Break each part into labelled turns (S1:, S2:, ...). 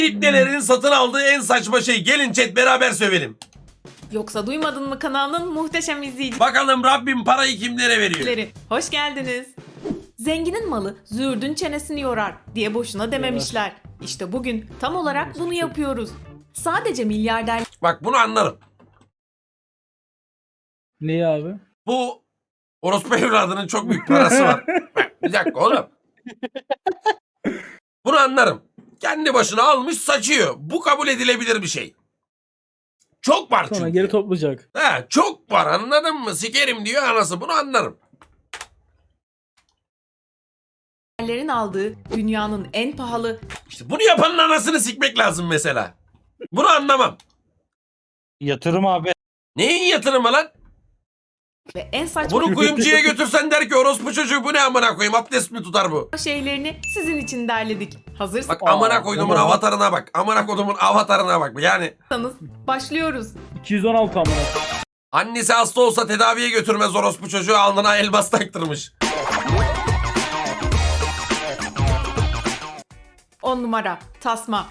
S1: İbnelerin satın aldığı en saçma şey. Gelin chat beraber sövelim.
S2: Yoksa duymadın mı kanalının muhteşem izleyicileri?
S1: Bakalım Rabbim parayı kimlere veriyor?
S2: Hoş geldiniz. Zenginin malı züğürdün çenesini yorar diye boşuna dememişler. İşte bugün tam olarak bunu yapıyoruz. Sadece milyarder
S1: Bak bunu anlarım.
S3: Neyi abi?
S1: Bu orospu evladının çok büyük parası var. Bak, bir dakika oğlum. Bunu anlarım. Kendi başına almış saçıyor. Bu kabul edilebilir bir şey. Çok var
S3: Sonra
S1: çünkü.
S3: geri toplayacak.
S1: He, çok var anladın mı? Sikerim diyor anası. Bunu anlarım.
S2: Lerin aldığı dünyanın en pahalı
S1: İşte bunu yapanın anasını sikmek lazım mesela. Bunu anlamam.
S4: Yatırım abi.
S1: Neyin yatırımı lan?
S2: ve en saçma
S1: Bunu kuyumcuya götürsen der ki orospu çocuğu bu ne amına koyayım abdest mi tutar bu?
S2: şeylerini sizin için derledik. Hazırsanız
S1: Bak amına koyduğumun
S3: tamam.
S1: avatarına bak. Amına koyduğumun avatarına bak. Yani
S2: başlıyoruz.
S3: 216 amına.
S1: annesi hasta olsa tedaviye götürmez orospu çocuğu alnına elmas taktırmış.
S2: 10 numara tasma.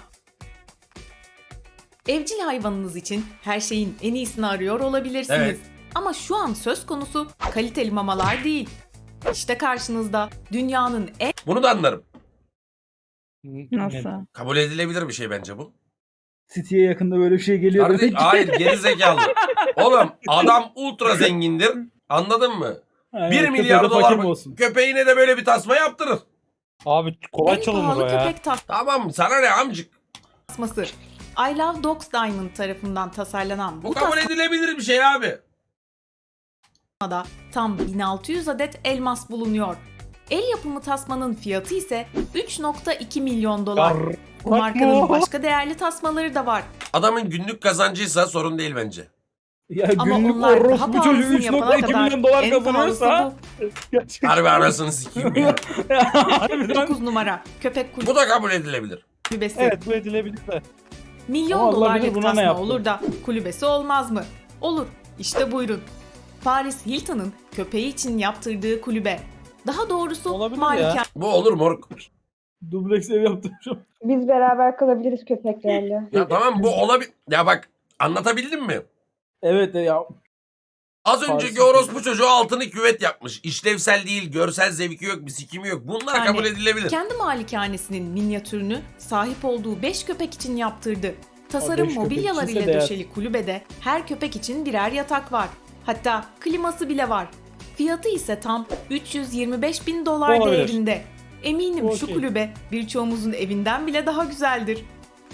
S2: Evcil hayvanınız için her şeyin en iyisini arıyor olabilirsiniz.
S1: Evet.
S2: Ama şu an söz konusu kaliteli mamalar değil. İşte karşınızda dünyanın en
S1: Bunu da anlarım.
S5: Nasıl?
S1: Kabul edilebilir bir şey bence bu.
S3: City'ye yakında böyle bir şey geliyor
S1: Kardeş,
S3: demek ki.
S1: hayır geri zekalı. Oğlum adam ultra zengindir. Anladın mı?
S3: Aynen,
S1: 1
S3: köpeğe
S1: milyar
S3: de
S1: dolar
S3: fakir
S1: mı?
S3: mi olsun?
S1: Köpeğine de böyle bir tasma yaptırır.
S4: Abi kolay
S2: en
S4: çalınır
S2: pahalı
S4: o ya.
S2: köpek
S1: Tamam sana ne amcık.
S2: tasması. I Love Dogs Diamond tarafından tasarlanan
S1: Bu
S2: bu
S1: kabul edilebilir bir şey abi.
S2: tasmada tam 1600 adet elmas bulunuyor. El yapımı tasmanın fiyatı ise 3.2 milyon dolar. Bu markanın başka değerli tasmaları da var.
S1: Adamın günlük kazancıysa sorun değil bence.
S3: Ya
S2: Ama
S3: günlük
S2: onlar daha
S3: orospu çocuğu
S2: pahalısını yapana
S3: 3.2
S2: kadar
S3: milyon dolar
S2: en pahalısı
S3: kazanıyorsa.
S2: bu.
S1: Harbi anasını sikeyim ya.
S3: Harbiden.
S2: 9 numara köpek
S1: Bu da kabul edilebilir.
S2: kulübesi.
S4: Evet bu edilebilir de.
S2: Milyon
S3: Ama Allah
S2: dolarlık
S3: bilir buna ne
S2: tasma
S3: yaptı.
S2: olur da kulübesi olmaz mı? Olur. İşte buyurun. Paris Hilton'ın köpeği için yaptırdığı kulübe. Daha doğrusu
S4: Olabilir
S2: malikane
S1: Bu olur moruk.
S3: Dubleks ev yaptırmışım.
S5: Biz beraber kalabiliriz köpeklerle.
S1: Ya tamam bu olabilir. Ya bak anlatabildim mi?
S3: Evet ya.
S1: Az önceki
S3: Paris-
S1: orospu çocuğu altını küvet yapmış. İşlevsel değil, görsel zevki yok, bir sikimi yok. Bunlar
S2: Yani
S1: kabul edilebilir.
S2: kendi malikanesinin minyatürünü sahip olduğu 5 köpek için yaptırdı. Tasarım
S3: beş köpek
S2: mobilyalar
S3: içinse
S2: ile
S3: değer.
S2: döşeli kulübede her köpek için birer yatak var. Hatta kliması bile var. Fiyatı ise tam 325 bin dolar
S4: Olabilir.
S2: değerinde. Eminim şu
S3: Okey.
S2: kulübe birçoğumuzun evinden bile daha güzeldir.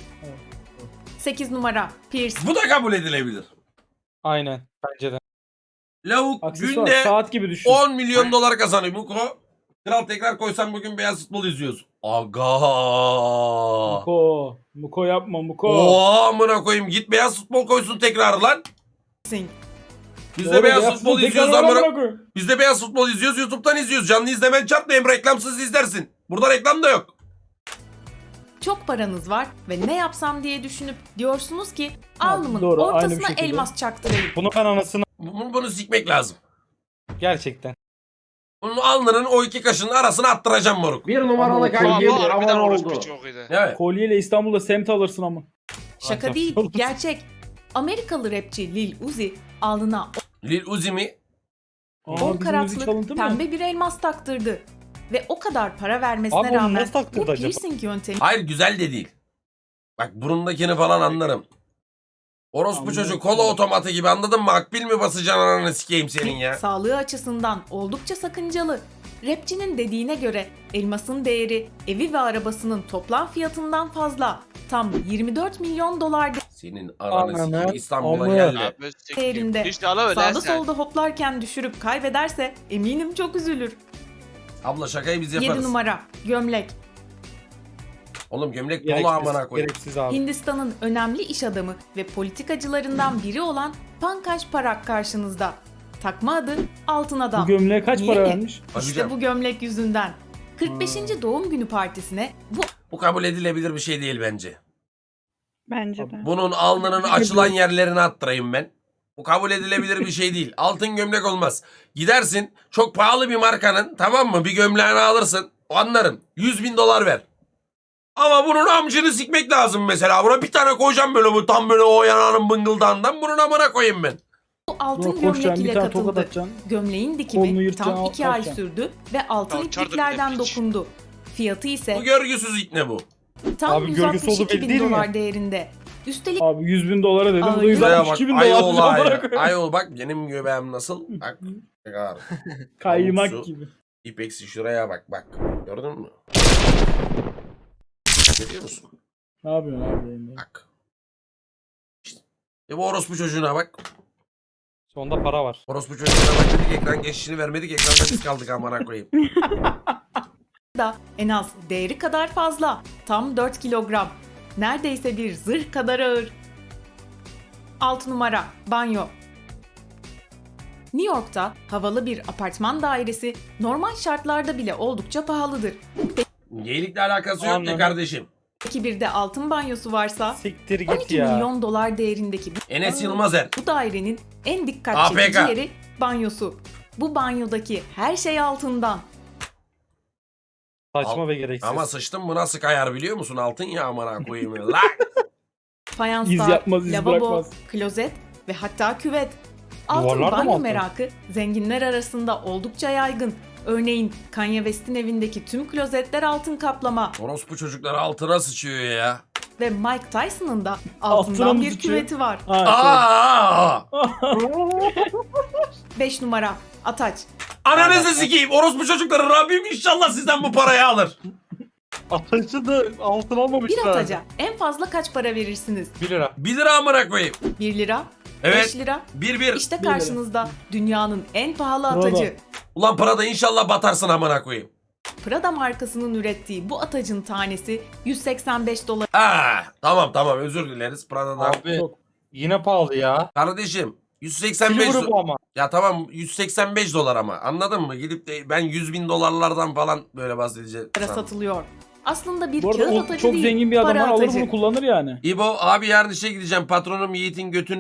S2: 8 numara Pierce.
S1: Bu da kabul edilebilir.
S4: Aynen. Bence de.
S1: Lavuk
S3: Aksesuar
S1: günde
S3: saat gibi düşün.
S1: 10 milyon dolar kazanıyor. Muko. Kral tekrar koysam bugün beyaz futbol izliyoruz. Aga.
S3: Muko yapma Muko.
S1: Oo amına koyayım git beyaz futbol koysun tekrar lan.
S2: Singh.
S1: Biz
S3: Doğru,
S1: de beyaz futbol
S3: tekrar
S1: izliyoruz
S3: amına
S1: amına.
S3: koyayım.
S1: Biz de beyaz futbol izliyoruz. YouTube'dan izliyoruz. Canlı izlemen çarpma hem reklamsız izlersin. Burada reklam da yok.
S2: Çok paranız var ve ne yapsam diye düşünüp diyorsunuz ki alnımın
S3: doğru, aynı bir
S2: ortasına
S3: şekilde.
S2: elmas çaktırayım.
S4: Bunu ben anasını
S1: Bunu sikmek lazım.
S4: gerçekten.
S1: Bunun alnının o iki kaşının arasına attıracağım moruk.
S6: Bir numaralı
S3: Ama
S6: kankim
S7: Harbiden
S6: aman
S7: orospu
S6: oldu.
S7: çok iyiydi.
S1: Evet.
S3: Kolyeyle İstanbul'da semt alırsın ama.
S2: Şaka değil, gerçek. Amerikalı rapçi Lil Uzi alnına
S1: Lil Uzi mi?
S3: Aa,
S2: 10
S3: bizim müzik
S2: karatlık
S3: çalıntı mı?
S2: pembe bir elmas taktırdı. Ve o kadar para vermesine
S4: Abi onu
S2: rağmen
S4: nasıl taktırdı
S2: bu
S4: acaba?
S2: piercing yöntemi
S1: Hayır güzel de değil. Bak burundakini falan anlarım. Orospu
S3: Anladım.
S1: çocuğu kola otomatı gibi anladın mı? Akbil mi basacaksın ananı sikeyim senin ya?
S2: sağlığı açısından oldukça sakıncalı. Rapçinin dediğine göre elmasın değeri evi ve arabasının toplam fiyatından fazla. Tam 24 milyon dolar
S1: Senin ananı
S4: Ananı,
S1: sikeyim İstanbul'a
S4: amı.
S1: geldi.
S7: Abi sikeyim.
S2: değerinde.
S7: İşte ala öyle
S2: Sağda
S7: sen.
S2: solda hoplarken düşürüp kaybederse eminim çok üzülür.
S1: Abla şakayı biz
S2: 7
S1: yaparız.
S2: numara gömlek.
S1: Oğlum gömlek dolu amına
S4: Gereksiz,
S1: koyayım.
S4: gereksiz abi.
S2: Hindistan'ın önemli iş adamı ve politikacılarından biri olan Pankaj Parak karşınızda. Takma adı Altın Adam.
S3: Bu gömleğe kaç
S2: Niye
S3: para
S2: mi?
S3: vermiş?
S2: İşte
S1: Bakacağım.
S2: bu gömlek yüzünden. 45. doğum günü partisine bu
S1: Bu kabul edilebilir bir şey değil bence.
S5: Bence de.
S1: Bunun alnının açılan yerlerine attırayım ben. Bu kabul edilebilir bir şey değil. Altın gömlek olmaz. Gidersin çok pahalı bir markanın tamam mı bir gömleğini alırsın. O anlarım. 100 bin dolar ver. Ama bunun amcını sikmek lazım mesela. Buna bir tane koyacağım böyle bu tam böyle o yanağının bıngıldağından. Bunun amına koyayım ben.
S2: Bu altın
S3: Buna koşacaksın,
S2: gömlek
S3: bir
S2: ile
S3: tane tokat
S2: katıldı.
S3: atacaksın.
S2: Gömleğin
S3: Kolunu
S2: dikimi
S3: yırtacaksın,
S2: tam 2 ay
S3: atacaksın.
S2: sürdü ve altın
S6: Alçardı bir de
S2: ipliklerden
S6: piç.
S2: dokundu. Fiyatı ise
S1: Bu görgüsüz ikne bu.
S2: tam
S4: Abi görgüsü olduğu
S2: 162
S4: belli
S2: bin
S4: değil mi?
S2: dolar değerinde. Üstelik
S3: Abi 100.000 dolara dedim. Bu da
S2: Ağır.
S1: Şuraya bak.
S3: 162 bin dolar.
S1: Ayol
S3: diyor, amına
S1: ayol.
S3: koyayım.
S1: Ayol bak benim göbeğim nasıl? Bak. Bak.
S3: Kaymak
S1: Tavuksu.
S3: gibi.
S1: İpeksi şuraya bak bak. Gördün mü? Görüyor musun?
S3: Ne yapıyorsun abi? yayında?
S1: Bak. İşte. Bu orospu çocuğuna bak.
S4: Sonunda para var.
S1: Orospu çocuğuna bak dedik ekran geçişini vermedik. Ekranda biz kaldık amına koyayım.
S2: da en az değeri kadar fazla. Tam 4 kilogram. Neredeyse bir zırh kadar ağır. 6 numara banyo. New York'ta havalı bir apartman dairesi normal şartlarda bile oldukça pahalıdır.
S1: Geylikle alakası yok ki
S4: Anladım.
S1: kardeşim.
S2: Peki bir de altın banyosu varsa
S4: Siktir git
S2: 12
S4: ya.
S2: milyon dolar değerindeki
S1: Enes Yılmazer.
S2: bu dairenin en dikkat
S1: APK.
S2: çekici yeri banyosu. Bu banyodaki her şey altından.
S4: Saçma ve gereksiz.
S1: Ama sıçtım bu nasıl kayar biliyor musun? Altın ya amına koyayım. La.
S3: İz
S2: Fayanslar,
S3: yapmaz, iz
S2: lavabo,
S3: bırakmaz.
S2: klozet ve hatta küvet. Altın
S4: Duvarlar da mı
S2: banyo
S4: altın?
S2: merakı zenginler arasında oldukça yaygın. Örneğin Kanye West'in evindeki tüm klozetler altın kaplama
S1: Orospu çocukları altına sıçıyor ya.
S2: ve Mike Tyson'ın da
S3: Altına
S2: altından
S3: mı
S2: bir
S3: sıçıyor?
S2: küveti var.
S1: Aa!
S2: 5 numara Ataç.
S1: Ananızı sikeyim. Orospu çocukları Rabbim inşallah sizden bu parayı alır.
S4: Atıcı da altın almamışlar.
S2: Bir ataca en fazla kaç para verirsiniz?
S4: 1 lira.
S1: 1 lira amına koyayım.
S2: 1 lira,
S1: Evet.
S2: 5 lira.
S1: 1.
S2: İşte
S3: lira.
S2: karşınızda dünyanın en pahalı
S3: Prada.
S2: atacı.
S1: Ulan Prada inşallah batarsın amına koyayım.
S2: Prada markasının ürettiği bu atacın tanesi 185 dolar.
S1: Tamam özür dileriz Prada'dan.
S4: Abi
S3: Çok.
S4: yine pahalı ya.
S1: Kardeşim 185
S4: Silver bu ama.
S1: Ya tamam 185 dolar ama anladın mı? Gidip de ben 100 bin dolarlardan falan böyle bahsedeceğim.
S2: satılıyor. Aslında bir
S3: Bu arada
S2: kağıt
S3: o
S2: atacı
S3: çok
S2: değil,
S3: zengin bir adam
S2: para
S3: var, alır
S2: atacı.
S3: bunu kullanır yani.
S1: İbo abi yarın işe gideceğim. Patronum Yiğit'in götünü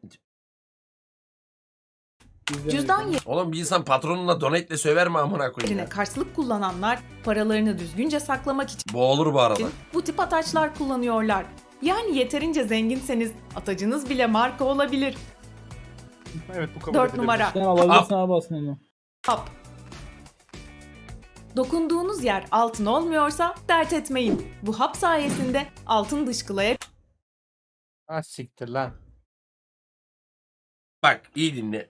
S2: Cüzdan
S1: Oğlum bir insan patronuna donate'le söver mi amına koyayım
S2: yerine
S1: ya?
S2: karşılık kullananlar paralarını düzgünce saklamak için
S1: Bu olur bu arada.
S2: bu tip ataçlar kullanıyorlar. Yani yeterince zenginseniz atacınız bile marka olabilir.
S4: Evet bu kabul
S2: 4
S4: edilebilir.
S2: numara
S3: Sen alabilirsin abi aslında onu.
S2: hap. Dokunduğunuz yer altın olmuyorsa dert etmeyin. Bu hap sayesinde altın dışkılayabilir.
S4: Ha siktir lan.
S1: Bak iyi dinle.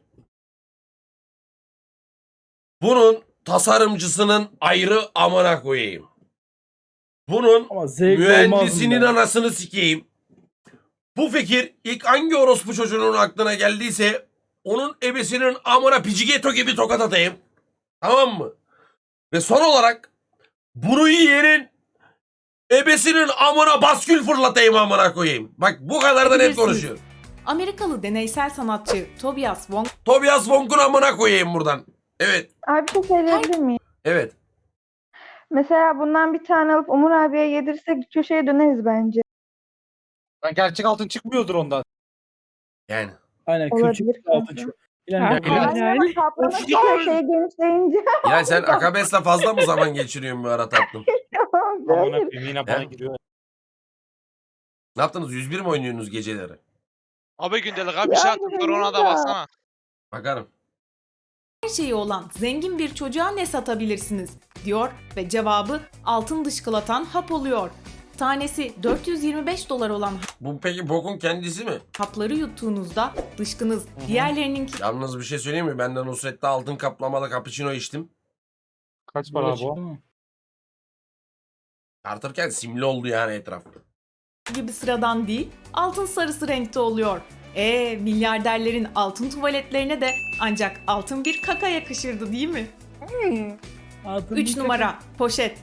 S1: Bunun tasarımcısının ayrı amına koyayım. Bunun
S3: Ama zevk
S1: mühendisinin
S3: olmaz mı be?
S1: anasını sikeyim. Bu fikir ilk hangi orospu çocuğunun aklına geldiyse onun ebesinin amına pijigeto gibi tokat atayım. Tamam mı? Ve son olarak bunu yiyenin ebesinin amına baskül fırlatayım amına koyayım. Bak bu kadar da net
S2: Bilirsiniz.
S1: konuşuyor.
S2: Amerikalı deneysel sanatçı Tobias Wong
S1: Tobias Wong'un amına koyayım buradan. Evet.
S5: Abi bir şey söyleyebilir miyim?
S1: Evet.
S5: Mesela bundan bir tane alıp Umur abiye yedirsek köşeye döneriz bence.
S4: Lan gerçek altın çıkmıyordur ondan.
S1: Yani.
S3: Aynen
S5: Olabilir
S3: külçük altın
S5: kanka.
S3: çok.
S5: Aynen ama kaplama köşeye genişleyince.
S1: Ya sen Akabes'le fazla mı zaman geçiriyorsun bu ara tatlım?
S4: Amına koyayım yine bana
S1: He?
S4: giriyor.
S1: Ne yaptınız? 101 mi oynuyorsunuz geceleri?
S6: Abi gündelik abi bir şey attım ona da baksana.
S1: Bakarım.
S2: her şeyi olan zengin bir çocuğa ne satabilirsiniz diyor ve cevabı altın dışkılatan hap oluyor. Tanesi 425 dolar olan
S1: Bu peki bokun kendisi mi?
S2: hapları yuttuğunuzda dışkınız diğerlerininki
S1: Yalnız bir şey söyleyeyim mi? Ben de Nusret'te altın kaplamalı cappuccino içtim.
S4: Kaç para
S3: Böyle
S4: bu?
S3: çıktı mı?
S1: Tartırken simli oldu yani etraf.
S2: gibi sıradan değil, altın sarısı renkte oluyor. Milyarderlerin altın tuvaletlerine de ancak altın bir kaka yakışırdı değil mi?
S3: Altın
S2: 3
S3: bir
S2: numara poşet.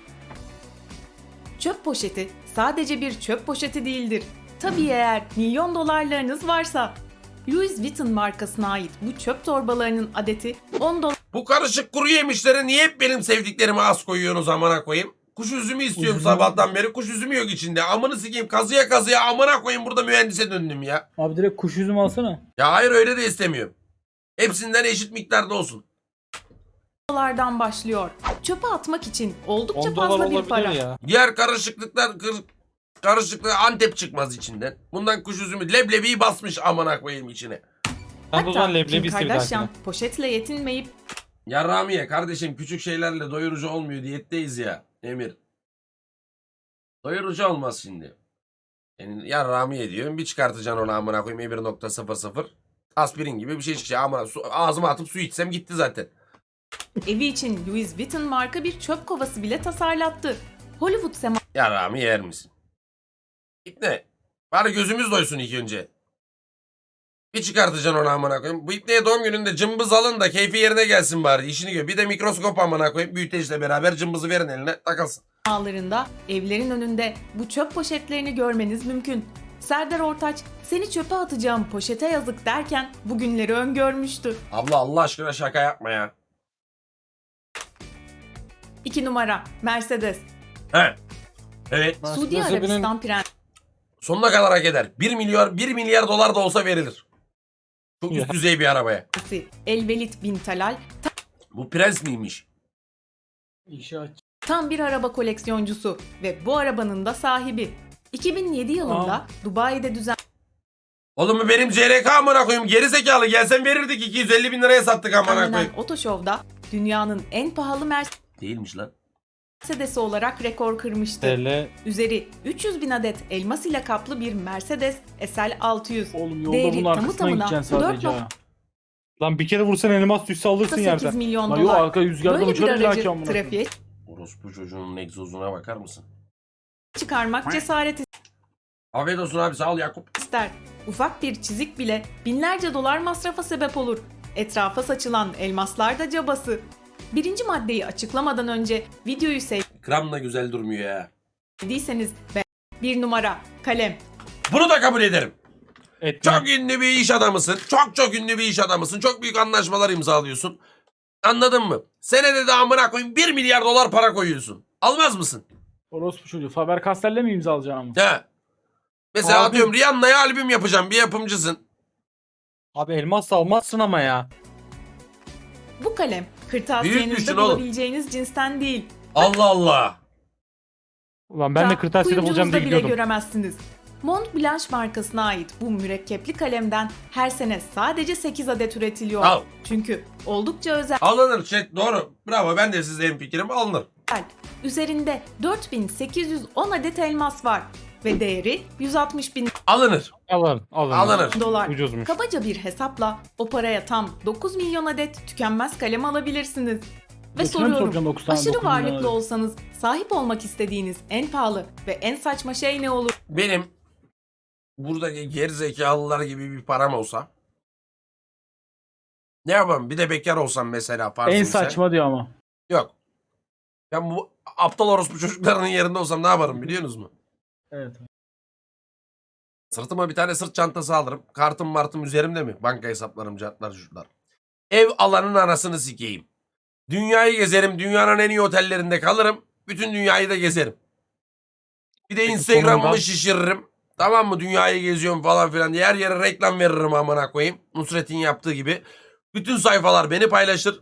S2: Çöp poşeti sadece bir çöp poşeti değildir. Tabii eğer milyon dolarlarınız varsa. Louis Vuitton markasına ait bu çöp torbalarının adeti 10
S1: Bu karışık kuru yemişlere niye hep benim sevdiklerime az koyuyorsunuz amına koyayım? Kuş üzümü istiyorum
S3: Üzümü-
S1: sabahtan beri. Kuş üzümü yok içinde. Amını sikeyim kazıya kazıya amına koyayım burada mühendise döndüm ya.
S3: Abi direkt kuş üzümü alsana.
S1: Ya hayır öyle de istemiyorum. Hepsinden eşit miktarda olsun.
S2: dolardan başlıyor. Çöpe atmak için oldukça
S4: 10 dolar
S2: fazla bir
S4: olabilir
S2: para.
S4: ya.
S1: Diğer karışıklığı Antep çıkmaz içinden. Bundan kuş üzümü leblebiyi basmış amına koyayım içine.
S4: Sen o zaman
S2: Hatta Kim
S4: leblebi iste bir
S2: Kardashian
S4: dahakine.
S2: poşetle yetinmeyip
S1: Ya Ramiye kardeşim küçük şeylerle doyurucu olmuyor, diyetteyiz ya Emir. Doyurucu olmaz şimdi. Yani ya Ramiye diyorum, bir çıkartacaksın onu amına koyayım 1.00. Aspirin gibi bir şey çıkacak amına, ağzıma atıp su içsem gitti zaten.
S2: evi için Louis Vuitton marka bir çöp kovası bile tasarlattı. Hollywood
S1: Ya Rami yer misin? İpne. Bari gözümüz doysun ilk önce. Bir çıkartacaksın onu amına koyayım. Bu ipneye doğum gününde cımbız alın da keyfi yerine gelsin bari. İşini gör. Bir de mikroskop amına koyayım. Büyüteçle beraber cımbızı verin eline takılsın.
S2: semalarında evlerin önünde bu çöp poşetlerini görmeniz mümkün. Serdar Ortaç, seni çöpe atacağım poşete yazık derken bugünleri öngörmüştü.
S1: Abla Allah aşkına şaka yapma ya.
S2: 2 numara Mercedes.
S1: He. Evet.
S2: Suudi
S4: Mercedes'e
S2: Arabistan Prensi
S1: Sonuna kadar hak eder. 1 milyar dolar da olsa verilir. Çok üst
S4: Ya.
S1: düzey bir arabaya.
S2: Elvelit bin Talal
S1: Bu prens miymiş?
S3: İşi aç.
S2: tam bir araba koleksiyoncusu ve bu arabanın da sahibi. 2007 yılında Dubai'de
S1: Oğlum bu benim CRK amına koyayım. Geri zekalı gelsen verirdik 250 bin liraya sattık amına
S2: düzenlenen
S1: koyayım.
S2: Otoshow'da dünyanın en pahalı
S1: Değilmiş lan.
S2: Mercedes'i olarak rekor kırmıştı.
S4: TL
S2: Üzeri 300 bin adet elmas ile kaplı bir Mercedes SL 600.
S3: Oğlum yolda
S2: Değeri
S3: bunun
S2: tamı
S3: arkasına
S2: tamına
S3: gideceksin sadece ha.
S4: Lan bir kere vursan elmas düşse alırsın
S2: 8
S4: yerden.
S2: milyon
S3: Lan yok
S2: dolar.
S3: arka rüzgardan
S2: Böyle bir
S3: uçar illa
S2: aracı
S3: ki amına koyayım.
S2: trafiğe
S1: Orospu çocuğunun egzozuna bakar mısın?
S2: çıkarmak cesaret
S1: Afiyet olsun abi, sağ ol Yakup.
S2: ister. Ufak bir çizik bile binlerce dolar masrafa sebep olur. Etrafa saçılan elmaslar da cabası. Birinci maddeyi açıklamadan önce videoyu
S1: Gram da güzel durmuyor ya.
S2: sevdiyseniz bir numara kalem.
S1: Bunu da kabul ederim.
S4: Etmem.
S1: Çok ünlü bir iş adamısın. Çok ünlü bir iş adamısın. Çok büyük anlaşmalar imzalıyorsun. Anladın mı? Senede de amına koyayım 1 milyar dolar para koyuyorsun. Almaz mısın?
S3: Orospu çocuğu. Faber Castell'le mi imza alacağım?
S1: He. Mesela
S4: Abi-
S1: atıyorum Rihanna'ya albüm yapacağım. Bir yapımcısın.
S4: Abi elmas da almazsın ama ya.
S2: Bu kalem
S1: Büyük
S2: kırtasiyenizde
S1: düşün oğlum.
S2: bulabileceğiniz cinsten değil.
S1: Allah Allah.
S4: Ulan ben de kırtasiyede bulacağım diye
S2: bile
S4: gidiyordum.
S2: göremezsiniz. Mont Blanc markasına ait bu mürekkepli kalemden her sene sadece 8 adet üretiliyor.
S1: Al.
S2: Çünkü oldukça özel.
S1: Alınır chat, doğru. Bravo, ben de sizle hemfikirim, alınır.
S2: Üzerinde 4810 adet elmas var ve değeri 160 bin
S1: Alınır.
S4: Alın.
S1: Alınır.
S2: dolar.
S4: Ucuzmuş.
S2: Kabaca bir hesapla o paraya tam 9 milyon adet tükenmez kalem alabilirsiniz. Ve
S3: Boşuna mı soracaksın
S2: soruyorum,
S3: 9 tane,
S2: aşırı
S3: 9 milyon
S2: varlıklı
S3: adet?
S2: olsanız sahip olmak istediğiniz en pahalı ve en saçma şey ne olur?
S1: Benim buradaki gerizekalılar gibi bir param olsa ne yapalım? Bir de bekar olsam mesela farz
S3: En
S1: misal.
S3: saçma diyor ama.
S1: Yok. Ben bu aptal orospu çocuklarının yerinde olsam ne yaparım biliyorsunuz mu?
S3: Evet.
S1: Sırtıma bir tane sırt çantası alırım. Kartım martım üzerimde mi? Banka hesaplarım, cartlar, çocuklar. Ev alanın anasını sikeyim. Dünyayı gezerim. Dünyanın en iyi otellerinde kalırım. Bütün dünyayı da gezerim. Bir de
S4: Peki
S1: Instagram'ımı
S4: sonunda-
S1: şişiririm. Tamam mı? Dünyayı geziyorum falan filan diye her yere reklam veririm amına koyayım. Nusret'in yaptığı gibi. Bütün sayfalar beni paylaşır.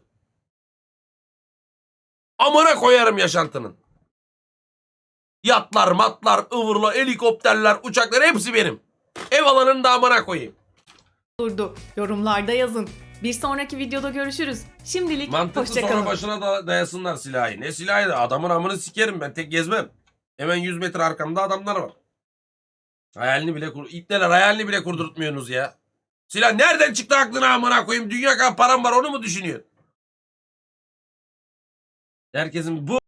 S1: Amına koyarım yaşantının. Yatlar, matlar, ıvırlar, helikopterler, uçaklar hepsi benim. Ev alanını da amına koyayım.
S2: Olurdu? Yorumlarda yazın. Bir sonraki videoda görüşürüz. Şimdilik
S1: Mantıklı, sonra
S2: hoşçakalın.
S1: başına da dayasınlar silahı. Ne silahı da adamın amını sikerim, ben tek gezmem. Hemen 100 metre arkamda adamlar var. Hayalini bile kurdurtmuyorsunuz ya. Silah nereden çıktı aklına amına koyayım? Dünya kadar param var, onu mu düşünüyorsun? Herkesin bu